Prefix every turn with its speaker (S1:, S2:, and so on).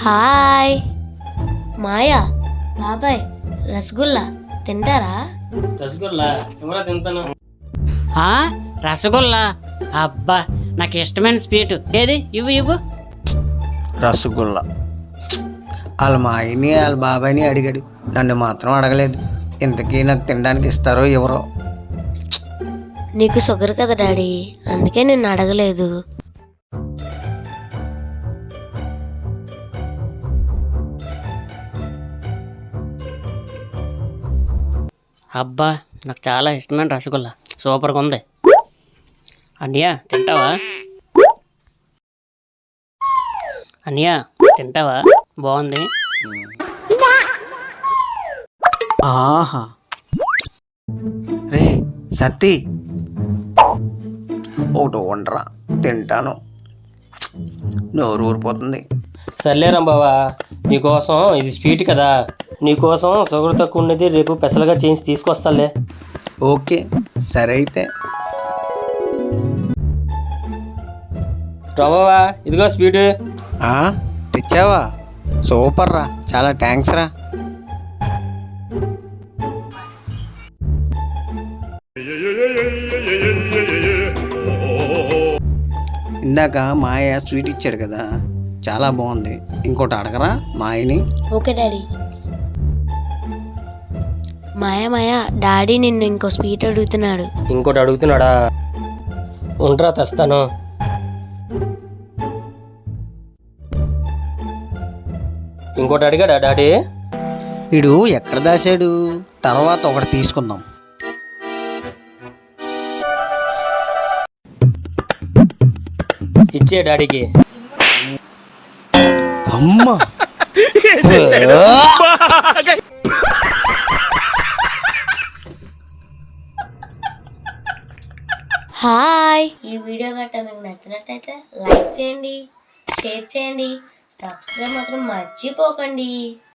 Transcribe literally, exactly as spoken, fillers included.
S1: Hi మాయా బాబాయ్ రసగుల్లా తింటారా?
S2: రసగుల్లా ఎవరా తింటాను.
S3: ఆ, రసగుల్లా అబ్బా నాకు ఇష్టమైన స్వీట్ ఏది ఇవ్వు ఇవ్వు.
S4: రసగుల్లా వాళ్ళ మా ఆయన్ని వాళ్ళ బాబాయ్ని అడిగాడు, నన్ను మాత్రం అడగలేదు. ఇంతకీ నాకు తినడానికి ఇస్తారో ఎవరో.
S1: నీకు షుగర్ కదా డాడీ, అందుకే నిన్ను అడగలేదు.
S3: అబ్బా నాకు చాలా ఇష్టమైన రసగుల్లా, సూపర్గా ఉంది. అన్నయ్య తింటావా? అన్నయ్య తింటావా? బాగుంది.
S4: ఆహా రే సత్తి, ఒకటి వండరా తింటాను, నోరు ఊరిపోతుంది.
S2: సర్లేరా బావా, నీకోసం ఇది స్వీట్ కదా, నీకోసం షుగర్ తక్కువ ఉన్నది రేపు పెసలుగా చేసి తీసుకొస్తాలే.
S4: ఓకే సరే అయితే.
S2: బావా ఇదిగో స్వీట్.
S4: ఆ, తెచ్చావా? సూపర్ రా, చాలా థ్యాంక్స్ రా. ఇందాక మాయ స్వీట్ ఇచ్చాడు కదా, చాలా బాగుంది. ఇంకోటి అడగరా మాయని?
S1: Okay daddy. Maya Maya daddy నిన్ను ఇంకో స్వీట్ అడుగుతున్నాడు.
S2: ఇంకోటి అడుగుతున్నాడా? ఉండరా తెస్తాను. ఇంకోటి అడిగాడా డాడీ?
S4: వీడు ఎక్కడ దాశాడు, తర్వాత ఒకటి తీసుకుందాం.
S2: ఇచ్చే డాడీకి.
S4: అమ్మా
S1: హాయ్, ఈ వీడియో గట్టా మీకు నచ్చినట్టయితే లైక్ చేయండి, షేర్ చేయండి, సబ్స్క్రైబ్ మాత్రం మర్చిపోకండి.